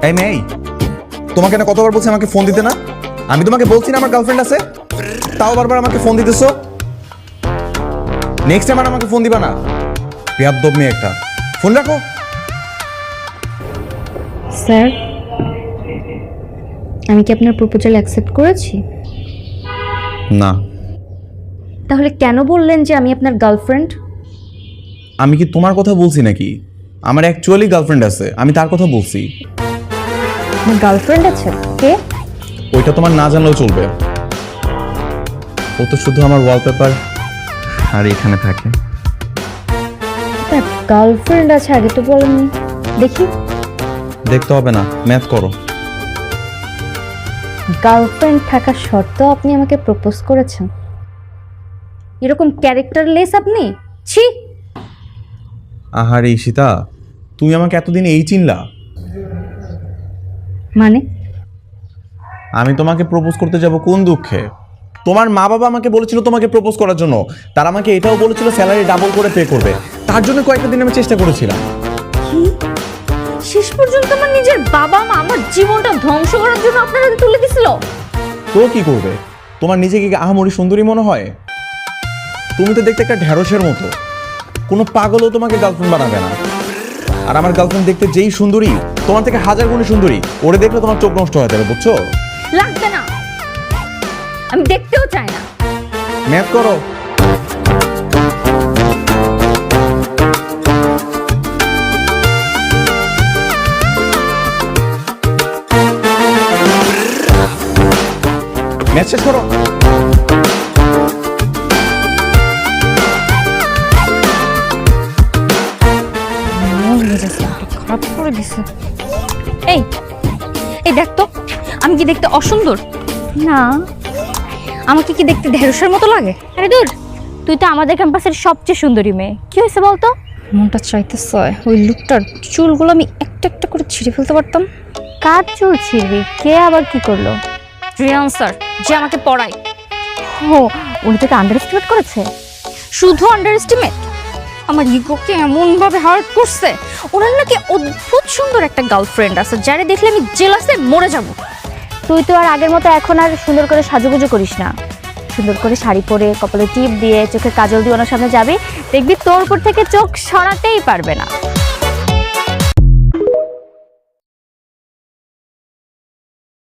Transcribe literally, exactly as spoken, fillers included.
এই মেয়ে, তোমাকে না কতবার বলছি আমাকে ফোন দিতে না? আমি তোমাকে বলছি না আমার গার্লফ্রেন্ড আছে, তাও বারবার আমাকে ফোন দিতেছো। নেক্সট টাইম আর আমাকে ফোন দিবা না। বেয়াদব মেয়ে একটা। ফোন রাখো। স্যার, আমি কি আপনার প্রপোজাল অ্যাকসেপ্ট করেছি? না। তাহলে কেন বললেন যে আমি আপনার গার্লফ্রেন্ড? আমি কি তোমার কথা বলছি নাকি? আমার অ্যাকচুয়ালি গার্লফ্রেন্ড আছে, আমি তার কথা বলছি। আমার গার্লফ্রেন্ড আছে? কে? ওইটা তোমার না জানলেও চলবে। ও তো শুধু আমার ওয়ালপেপার আর এখানে থাকে। আপনার গার্লফ্রেন্ড আছে, আগে তো বলেননি। দেখি। দেখতে হবে না, ম্যাথ করো। গার্লফ্রেন্ড থাকা সত্ত্বেও আপনি আমাকে প্রপোজ করেছেন? এরকম ক্যারেক্টারলেস আপনি। ছি। আহারে ঈশিতা, তুমি আমাকে এতদিন এই চিনলা? মানে? আমি তোমাকে প্রপোজ করতে যাব কোন দুঃখে? তোমার মা বাবা আমাকে বলেছিল তোমাকে প্রপোজ করার জন্য। তারা আমাকে এটাও বলেছিল স্যালারি ডাবল করে পে করবে। তার জন্য কয়েকটা দিন আমি চেষ্টা করেছিলাম। কি? শেষ পর্যন্ত আমার নিজের বাবা মা আমার জীবনটা ধ্বংস করার জন্য আপনার হাতে তুলে দিছিল। তো কি করবে? তোমার নিজেকে কি আহামরি সুন্দরী মনে হয়? তুমি তো দেখতে একটা ঢ্যাঁড়সের মতো। কোনো পাগলও তোমাকে গার্লফ্রেন্ড বানাবে না। আর আমার গার্লফ্রেন্ড দেখতে যেই সুন্দরী, তোমার থেকে হাজার গুণে সুন্দরী। ওরে দেখলে তোমার চোখ নষ্ট হয়ে যাবে, বুঝছো? লাগবে না, আমি দেখতেও চাই না। ম্যাথ করো। ম্যাথ শেষ করো। খারাপ করে দিছে। এই এই দেখ তো, আমি কি দেখতে অসুন্দর? না। আমাকে কি দেখতে ঢেঁড়সের মতো লাগে? আরে দূর, তুই তো আমাদের ক্যাম্পাসের সবচেয়ে সুন্দরী মেয়ে। কি হয়েছে বলতো? মনটা চাইতেছে ওই লুকটার চুলগুলো আমি একটা একটা করে ছিঁড়ে ফেলতে পারতাম। কার চুল ছিঁড়বি? কে আবার কি করলো? রিয়ান স্যার, যে আমাকে পড়ায়। ও, উনি তোকে আন্ডার এস্টিমেট করেছে? শুধু আন্ডার এস্টিমেট? আমার ইগোকে এমন ভাবে হার্ট করছে। ওনার নাকি অদ্ভুত সুন্দর একটা গার্লফ্রেন্ড আছে, যারে দেখলে আমি জেলাসে মরে যাব। তুই তো আর আগের মতো এখন আর সুন্দর করে সাজুগুজু করিস না। সুন্দর করে শাড়ি পরে, কপালে টিপ দিয়ে, চোখে কাজল দিয়ে ওনার সামনে যাবি, দেখবি তোর উপর থেকে চোখ সরাতেই পারবে না।